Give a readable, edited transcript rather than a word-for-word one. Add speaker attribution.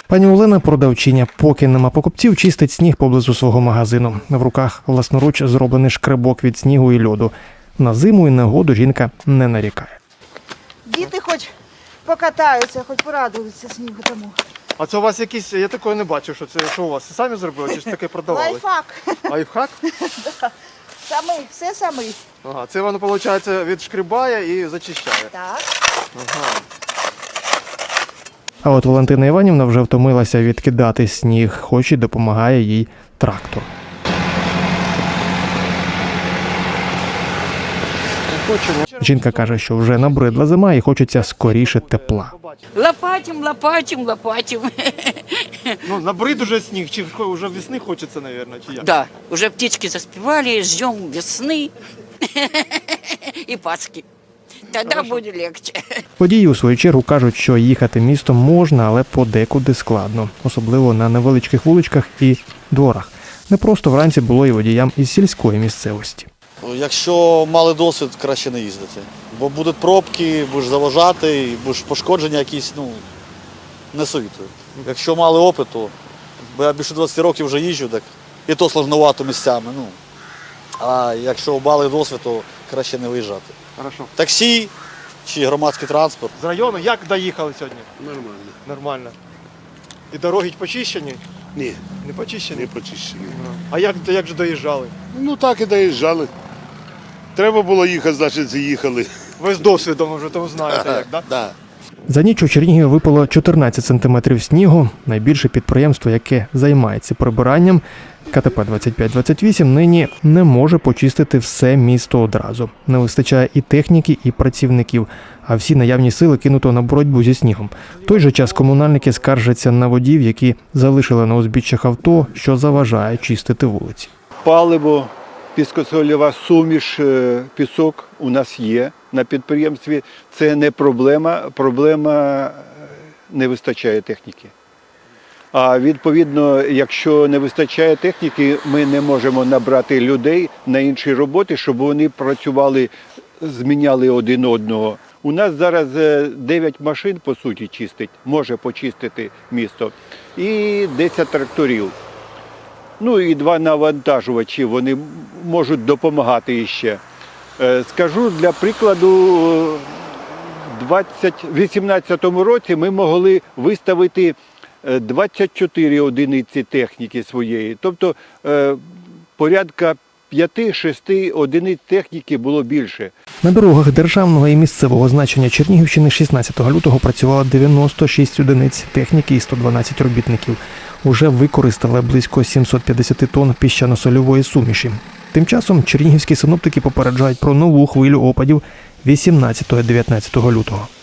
Speaker 1: Пані Олена – продавчиня. Поки нема покупців, чистить сніг поблизу свого магазину. В руках власноруч зроблений шкребок від снігу і льоду. На зиму і негоду жінка не нарікає.
Speaker 2: Діти хоч покатаються, хоч порадуються снігу тому.
Speaker 3: А це у вас якісь, я такого не бачив, що це, що у вас, самі зробили, чи ж таке продавали?
Speaker 2: Лайфхак.
Speaker 3: Лайфхак?
Speaker 2: Самий, все самий.
Speaker 3: Ага, це воно, виходить, відшкрібає і зачищає.
Speaker 2: Так.
Speaker 3: Ага.
Speaker 1: А от Валентина Іванівна вже втомилася відкидати сніг, хоч і допомагає їй трактор. Жінка каже, що вже набридла зима і хочеться скоріше тепла.
Speaker 4: Лопатим, лопатим, лопатим.
Speaker 3: Ну, набрид уже сніг, чи вже весни хочеться, мабуть, чи як?
Speaker 4: Да, уже птички заспевали, ждем весны и Пасхи. Тогда будет легче.
Speaker 1: Водії у свою чергу кажуть, що їхати містом можна, але подекуди складно. Особливо на невеличких вуличках і дворах. Непросто вранці було і водіям із сільської місцевості.
Speaker 5: Якщо мали досвід, краще не їздити. Бо будуть пробки, будеш заважати, і будеш пошкодження якісь, не совітую. Якщо мали опиту, бо я більше 20 років вже їжджу, так і то сложновато місцями. А якщо мали досвід, то краще не виїжджати.
Speaker 3: Хорошо.
Speaker 5: Таксі чи громадський транспорт.
Speaker 3: З району як доїхали сьогодні?
Speaker 6: Нормально.
Speaker 3: Нормально. І дороги почищені?
Speaker 6: Ні,
Speaker 3: Не почищені?
Speaker 6: не почищені.
Speaker 3: А як же доїжджали?
Speaker 6: Ну так і доїжджали. Треба було їхати, значить їхали.
Speaker 3: Ви з досвідом вже тому знаєте, як, так?
Speaker 5: Да.
Speaker 1: За ніч у Чернігові випало 14 сантиметрів снігу. Найбільше підприємство, яке займається прибиранням, КТП 2528, нині не може почистити все місто одразу. Не вистачає і техніки, і працівників, а всі наявні сили кинуто на боротьбу зі снігом. В той же час комунальники скаржаться на водіїв, які залишили на узбіччях авто, що заважає чистити вулиці.
Speaker 7: Паливо, піскосольова суміш, пісок у нас є на підприємстві. Це не проблема, проблема не вистачає техніки. А відповідно, якщо не вистачає техніки, ми не можемо набрати людей на інші роботи, щоб вони працювали, зміняли один одного. У нас зараз 9 машин, по суті, чистить, може почистити місто, і 10 тракторів. Ну і 2 навантажувачі, вони можуть допомагати іще. Скажу, для прикладу, у 2018 році ми могли виставити 24 одиниці техніки своєї. Тобто порядка 5-6 одиниць техніки було більше.
Speaker 1: На дорогах державного і місцевого значення Чернігівщини 16 лютого працювало 96 одиниць техніки і 112 робітників. Уже використали близько 750 тонн піщано-сольової суміші. Тим часом чернігівські синоптики попереджають про нову хвилю опадів 18-19 лютого.